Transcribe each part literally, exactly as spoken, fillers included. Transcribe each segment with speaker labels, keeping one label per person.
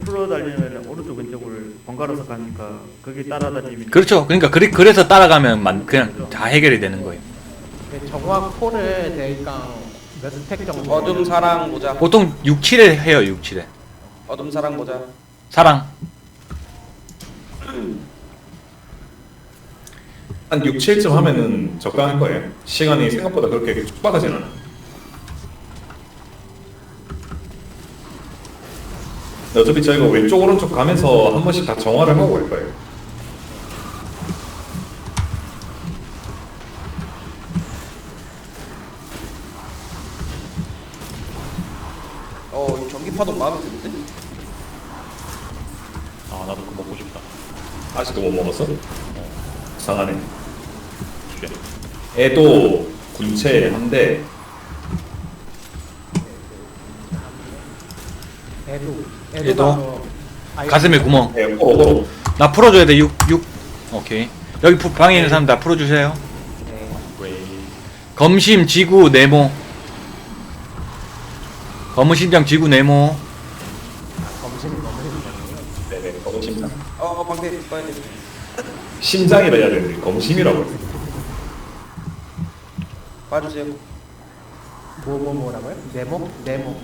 Speaker 1: 풀어 달리면 오른쪽 왼쪽을 번갈아서 가니까 거기 따라다니면
Speaker 2: 그렇죠. 그러니까 그래, 그래서 따라가면 만, 그냥 다 해결이 되는 거예요.
Speaker 3: 정화 콜을 대강 몇 스택 정도?
Speaker 4: 어둠 사랑 모자.
Speaker 2: 보통 육, 칠에 해요. 육, 칠에
Speaker 4: 어둠 사랑 모자.
Speaker 2: 사랑.
Speaker 5: 한 육, 칠쯤 하면은 적당할 거예요. 시간이 생각보다 그렇게 촉박하진 않아. 어차피 저희가 왼쪽 오른쪽 가면서 한 번씩 다 정화를 하고 갈 거예요.
Speaker 4: 어, 이 전기 파동 마음에 드는데?
Speaker 6: 아 나도 그거 먹고 싶다.
Speaker 5: 아직도 못 먹었어? 이상하네.
Speaker 6: 쉣.
Speaker 5: 애도 군체 한데
Speaker 3: 애도
Speaker 2: 애도?
Speaker 3: 아예
Speaker 2: 가슴에 구멍.
Speaker 5: 애 호로
Speaker 2: 나 풀어줘야 돼. 육, 육. 오케이. 여기 부- 방에 있는 사람 다 풀어주세요.
Speaker 3: 네.
Speaker 6: 왜?
Speaker 2: 검심, 지구, 네모. 검은 심장, 지구, 네모.
Speaker 3: 검심 검심
Speaker 5: 네네 검심장.
Speaker 4: 어, 어 방패 봐야 돼.
Speaker 5: 심장이라 해야 되는데 검심이라고 해요.
Speaker 4: 봐주세요.
Speaker 3: 뭐뭐 뭐라고요? 네모 네모.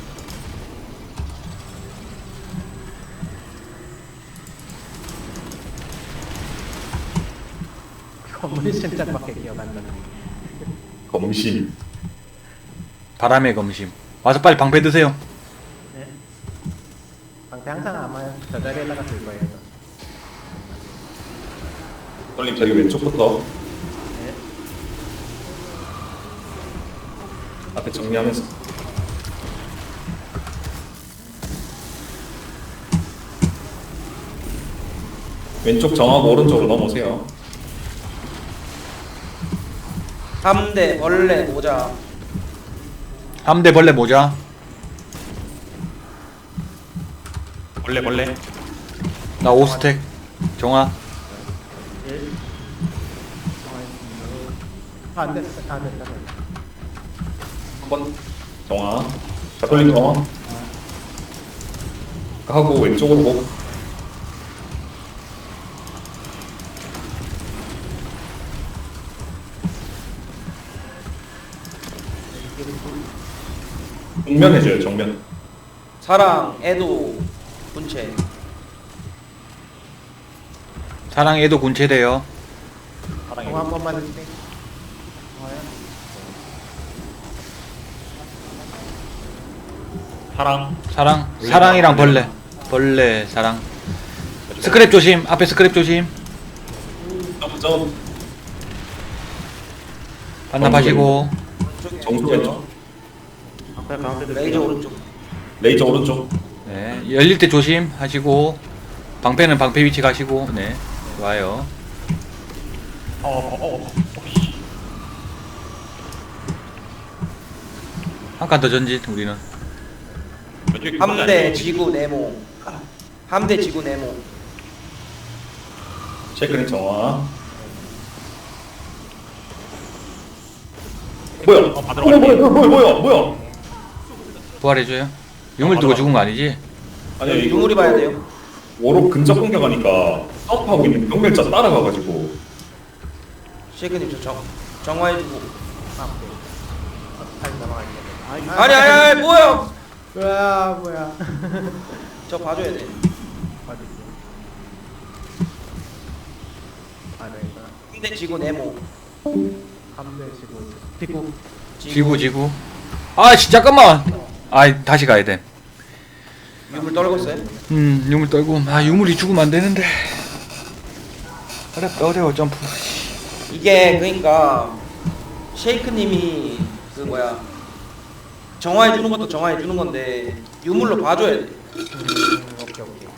Speaker 3: 검은 심장밖에 기억 안 나는.
Speaker 5: 검심.
Speaker 2: 바람의 검심. 와서 빨리 방패 드세요.
Speaker 1: 네.
Speaker 3: 방패 항상 아마 저 자리에다가 둘 거예요.
Speaker 5: 떨림 저기 왼쪽부터
Speaker 1: 네.
Speaker 5: 앞에 정리하면서. 왼쪽 정하고 오른쪽으로 넘어오세요.
Speaker 4: 함대 벌레 모자.
Speaker 2: 함대 벌레 모자.
Speaker 6: 벌레 벌레.
Speaker 2: 나 오 스택. 정화.
Speaker 1: 예.
Speaker 3: 아, 안 됐어 안 됐다.
Speaker 5: 한번 정화. 자 떨림 정화. 하고 왼쪽으로 고. 정면 해줘요 정면.
Speaker 4: 사랑 애도 군체.
Speaker 2: 사랑에도 군체돼요.
Speaker 6: 사랑해.
Speaker 3: 정화 한 번만 해주세요.
Speaker 6: 사랑.
Speaker 2: 사랑. 사랑이랑 벌레. 벌레, 사랑. 스크랩 조심. 앞에 스크랩 조심.
Speaker 5: 점점
Speaker 2: 반납하시고.
Speaker 5: 정수 왼쪽.
Speaker 1: 앞에 가운데
Speaker 4: 레이저 오른쪽.
Speaker 5: 레이저 오른쪽.
Speaker 2: 네. 열릴 때 조심 하시고. 방패는 방패 위치 가시고. 네. 좋아요.
Speaker 6: 어어 어. 어. 씨.
Speaker 2: 한 칸 더 전진 우리는.
Speaker 6: 왼쪽에
Speaker 4: 함대 지구 네모. 함대 지구 네모.
Speaker 5: 체크링 정화. 뭐야?
Speaker 6: 어, 받으러
Speaker 5: 뭐야
Speaker 6: 갈게.
Speaker 5: 뭐야 뭐야 뭐야 뭐야?
Speaker 2: 부활해줘요. 유물 두고 죽은 거 아니지?
Speaker 5: 아니요 이거
Speaker 4: 유물이 봐야 돼요.
Speaker 5: 오로 근접 공격하니까 사업하고 있는 병멸자 따라가가지고
Speaker 4: 쉐이크님 저 정, 정화해주고.
Speaker 3: 아, 오케이. 다시 넘어갈게요.
Speaker 1: 아니
Speaker 4: 아니 아니 아니 뭐야?
Speaker 3: 뭐야 뭐야.
Speaker 4: 저 봐줘야 돼.
Speaker 3: 어디 있어? 아, 네, 이거.
Speaker 4: 함대 지구 네모.
Speaker 3: 함대 지구 지구.
Speaker 2: 지구 지구. 아 씨, 잠깐만. 아 다시 가야 돼.
Speaker 4: 유물 떨궜어요?
Speaker 2: 음 유물 떨고. 아 유물이 죽으면 안 되는데. 어렵다 어려워 점프.
Speaker 4: 이게 그러니까 쉐이크님이 그 뭐야 정화해 주는 것도 정화해 주는 건데 유물로 봐줘야 돼.
Speaker 3: 음, 오케이 오케이.